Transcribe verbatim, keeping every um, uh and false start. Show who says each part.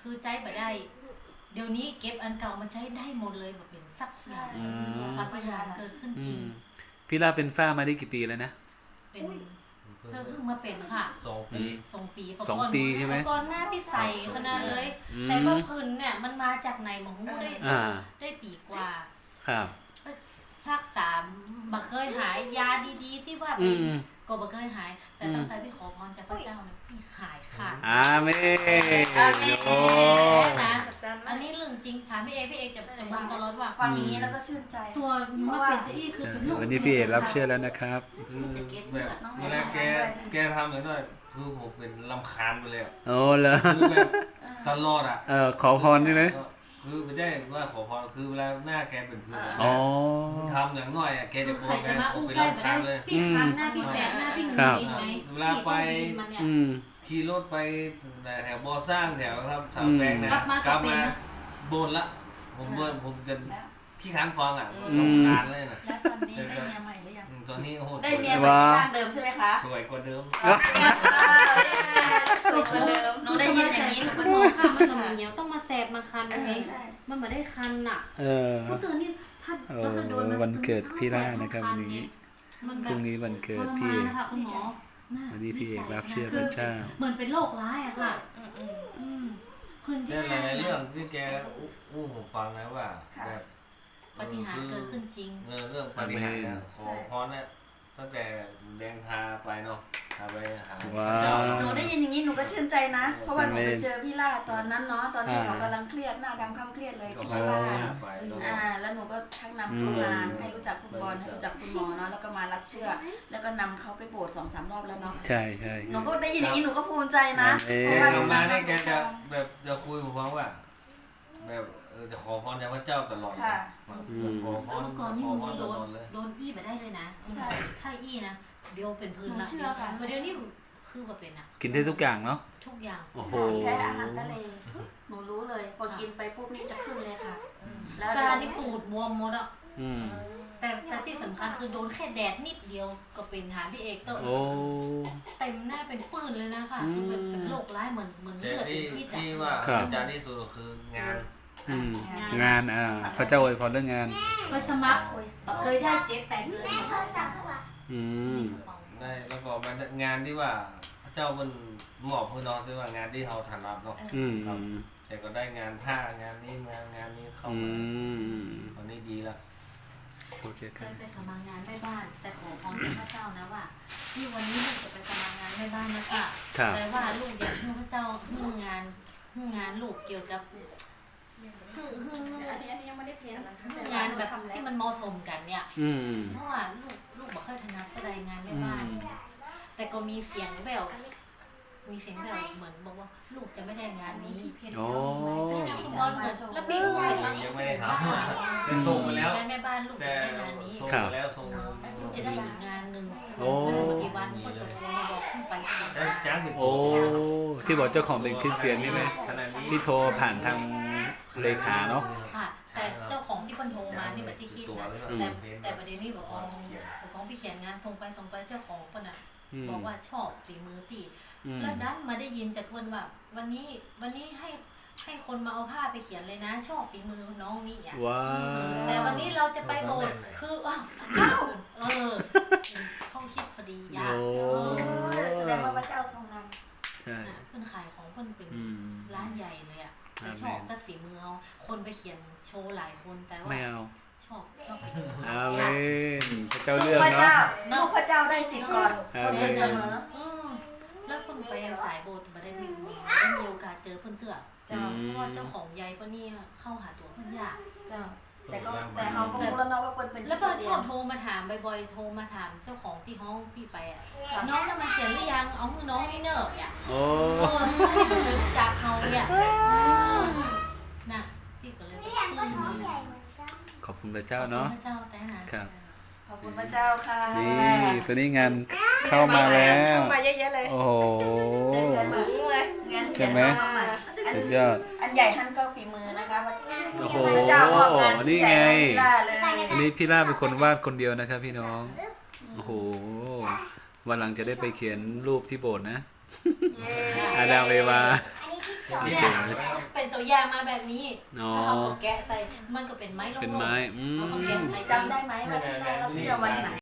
Speaker 1: คือใจบ่ได้เดี๋ยวนี้เก็บอันเก่ามาใช้ได้หมดเลยแบบเป็นสักอย่างปาฏิหาริย์เกิดขึ้นจริง
Speaker 2: พี่ล่าเป็นฝ้ามาได้กี่ปีแล้วนะ
Speaker 1: เป็นเธอเพิ่งมาเป็นค่ะ
Speaker 3: สองปี
Speaker 1: สองปี
Speaker 2: สองปีใช่ไหม
Speaker 1: ก่อนหน้าพี่ใส่ขนาดเลยแต่ว่าพื้นเนี่ยมันมาจากไหนหมอหูได้ได้ปีกว่า
Speaker 2: ครับ
Speaker 1: ภาคสามบ่เคยหายยาดีๆที่ว่าเป็นก็บ่เคยหายแต่ตั้งแต่พี่ขอพรจากพระเจ้าเนี่ยพี่หายขาด
Speaker 2: อาเมนโอ้
Speaker 1: นะอันนี้เรื่องจริงถามพี่เอพี่เอจะจะมองตลอดว่า
Speaker 4: ฟังนี้แล้วก็ชื่นใจ
Speaker 1: ตัวมันเป็นจะอี้คือเป็นลูก
Speaker 2: วันนี้พี่เอรับเชื่อแล้วนะครับ
Speaker 3: แบบเวลาแกแกทำอย่างนั้นคือผมเป็นลำคาญไปเลย
Speaker 2: โอ้เหรอ
Speaker 3: ตลอดอ่ะ
Speaker 2: เออขอพรใช่ไหม
Speaker 3: คือไม่ใช่ว่าขอพรคือเวลาหน้าแกเป็นเพื่อน
Speaker 2: อ๋อ
Speaker 3: ทำอย่างน้อยแกจะโกรธแกผมเป็นลำคาญเลย
Speaker 1: พี่คันหน้าพี่แสบหน้าพี่หงุดหงิดไหม
Speaker 3: เวลาไปขี่รถไปแถวบ่อสร้างแถวครับสามแปลงเนี่ยกลับมาบ่นละผมบ่นผมจะขี้ค้านฟังอ่ะลำคาญเลยนะ
Speaker 4: แล้วตอนนี้ได้เมียใหม่หรือยัง
Speaker 3: ตอนนี้โอ้โห
Speaker 4: ได้เมียใหม่ที่บ้านเดิมใช่ไหมคะ
Speaker 3: สวยกว่าเดิม
Speaker 4: สวยกว่าเดิมหนูได้ยินอย่างนี้หนูก็
Speaker 1: มองข้ามมันต้องมีต้องมาแสบมาคันไหมมันไม่ได้คันอ่ะก็ตื่นนี่ถ้าโดน
Speaker 2: วันเกิดพี่ล่านะครับวันนี้พรุ่งนี้วันเกิดพี่วันนี้พี่เอกรับเชื่อพระเจ้า
Speaker 1: เหมือนเป็นโรคร้ายอะค่ะ
Speaker 3: แต่หลายเรื่องที่แกอู้ผมฟังนะว่าแบบ
Speaker 1: ปฏิหารเกิดขึ้นจริง
Speaker 3: เรื่องปฏิหารขอพรเนี่ยตั้งแต่แดงพาไปเนาะพาไปหา
Speaker 2: เจ้า
Speaker 4: หนูได้ยินอย่างนี้หนูก็ชื่นใจนะเพราะว่าหนูไปเจอพี่ล่าตอนนั้นเนาะตอนที่เขากำลังเครียดหน้าดำค่ำเครียดเลยที่บ้านอ่าแล้วหนูก็ทักนำเข้ามาให้รู้จักคุณบอลให้รู้จักคุณหมอเนาะแล้วก็มารับเชื่อแล้วก็นำเขาไปโบสถ์สองสามรอบแล้วเนาะ
Speaker 2: ใช่ใช่
Speaker 4: หนูก็ได้ยินอย่างนี้หนูก็ภูมิใจนะ
Speaker 3: เพราะว่าทำมาเนี่ยแกจะแบบจะคุยผมฟังว่าแบบเออจะขอพรจากพระเจ้าตลอด
Speaker 4: ค่ะ
Speaker 3: ขอพร
Speaker 1: ก่อนนี่มึงโดนโดนอี้มาได้เลยนะใช่ถ้าอี้นะเดี๋ยวเป็นพื้นละเดี๋ยวนี้คือแบบเป็นอะ
Speaker 2: กินได้ทุกอย่างเนาะ
Speaker 1: ทุกอย่าง
Speaker 2: โอ้โห
Speaker 4: แค่อาหารทะเลหนูรู้เลยพอกินไปปุ๊บนี่จะขึ้นเลยค่ะ
Speaker 1: แล้วตานี่ปูดบวมหมดอ่ะแต่แต่ที่สำคัญคือโดนแค่แดดนิดเดียวก็เป็นหาพี่เอกเตอร์เต็มหน้าเป็นปื้นเลยนะคะคือเป็นโรคร้ายเหมือนเหมือนเลือดเป็นพิษ
Speaker 3: ที่ว่าอาจารย์ที่สุดคืองาน
Speaker 2: งานอ่าพระเจ้าอวยพรเรื่องงาน
Speaker 1: ไปสมัครเคยได้เจ็ดแปดเดือน
Speaker 2: อืม
Speaker 3: ได้แล้วก็มันงานที่ว่าพระเจ้ามันหมอบพื้นนอนที่ว่างานที่เขาถนัดเนาะแต่ก็ได้งานผ้างานนี้งานงานนี้เข้ามาตอนนี้ดีแล้ว
Speaker 1: เคยไปสมัครงานแม่บ้านแต่ขอพรพระเจ้านะว่าที่วันนี้ลูกจะไปสมัครงานแม่บ้านนะคะแต่ว่าลูกอยากให้พระเจ้าให้งานให้งานลูกเกี่ยวกับ
Speaker 4: อันนี้อันนี้ยังไม่ได้เพียน
Speaker 1: งานแบบที่มันเหมาะสมกันเนี่ยเพราะว่าลูกลูกบอกเคยถนัดแสดงงานแม่บ้านแต่ก็มีเสียงแบบมีเสียงแบบเหมือนบอกว่าลูกจะไม่ได้งานนี้
Speaker 2: โอ้
Speaker 1: แล้วพี่ลูก
Speaker 3: ยังไม่ได้ทำแต่ส่งมาแล้ว
Speaker 1: แม่บ้านลูกจะได้งานนี้
Speaker 3: ส่งมาแล้วส่ง
Speaker 1: ลูกจะได้อีกงานหนึ่ง
Speaker 2: โอ้
Speaker 1: กี่วันคนจะโทรมาบอกขึ้นไป
Speaker 3: จ้าง
Speaker 2: โอ้ที่บอกเจ้าของเป็นคริสเตียนนี่ไหมที่โทรผ่านทางเลขาเนาะ
Speaker 1: ค่ะแต่เจ้าของที่คนโทรมานี่มันจะคิดนะแต่แต่ประเด็นนี้บอกว่าบอกว่าพี่เขียนงานส่งไปส่งไปเจ้าของคนน่ะบอกว่าชอบฝีมือพี่แล้วดันมาได้ยินจากคนว่าวันนี้วันนี้ให้ให้คนมาเอาผ้าไปเขียนเลยนะชอบฝีมือน้องนี่อ่ะแต่วันนี้เราจะไปโบสถ์คือว้าวเอ้าเออเขาคิดพอดีอยาก
Speaker 4: แสดงว่าพระเจ้าทรงน
Speaker 1: ำเพื่อนขายของเพื่อนเป็นร้านใหญ่เลยอ่ะชอบตัดฝีมือเอาคนไปเขียนโชว์หลายคนแต่ว่าชอบชอบ
Speaker 2: อาเมนพระเจ้าเลือกเนาะ
Speaker 4: ลูกพระเจ้าได้สิทธิ์ก่อนคนอื่นเสมอ
Speaker 1: แล้วคนไปสายโบสถ์มาได้มีได้มีโอกาสเจอเพื่อนเถื่อเจ้าเพราะว่าเจ้าของยายก็นี่เข้าหาตัวเพื่อนยาก
Speaker 4: เจ้าแต่ก็แต่เขาก็รู้แล้วเนาะว่าเปิ้ลเป็น
Speaker 1: แล้วก็ชอบโทรมาถามบ่อยๆโทรมาถามเจ้าของที่ห้องพี่ไปอ่ะน้องจะมาเขียนหรือยังเอามือน้องนี่เนอะอ่ะโอ้ยจากเขาเนี่ยนะพี่ก็เลย
Speaker 2: ขอบคุณพระเจ้าเนาะ
Speaker 1: พระเจ้าแต่นะครับ
Speaker 4: ขอบคุณพระเจ้าค่ะ
Speaker 2: นี่ตัวนี้งานเข้ามาแล้ว
Speaker 4: เข้ามาเยอะๆเลย
Speaker 2: โอ้โห
Speaker 4: ใจเหมือนเลยงานเขียนเข้ามา
Speaker 2: สุดยอด
Speaker 4: อันใหญ่ท่านก็ฝีมือนะคะ
Speaker 2: โอ้โหนี่ไงอันนี้พี่ล่าเป็นคนวาดคนเดียวนะครับพี่น้องโอ้โหวันหลังจะได้ไปเขียนรูปที่โบสถ์นะอาดามเอวา
Speaker 1: เนี่ยเป็นตัวอย่างมาแบบนี้
Speaker 2: อ๋อ
Speaker 1: แล้วเขาก็แกะใส่มันก็เป็นไม้ลงๆ
Speaker 2: เป็นไม้อืม
Speaker 1: แล้วก็แกะใส่
Speaker 4: จำได้ไหมว่าพี่ล่ารับเสื้อวันไหน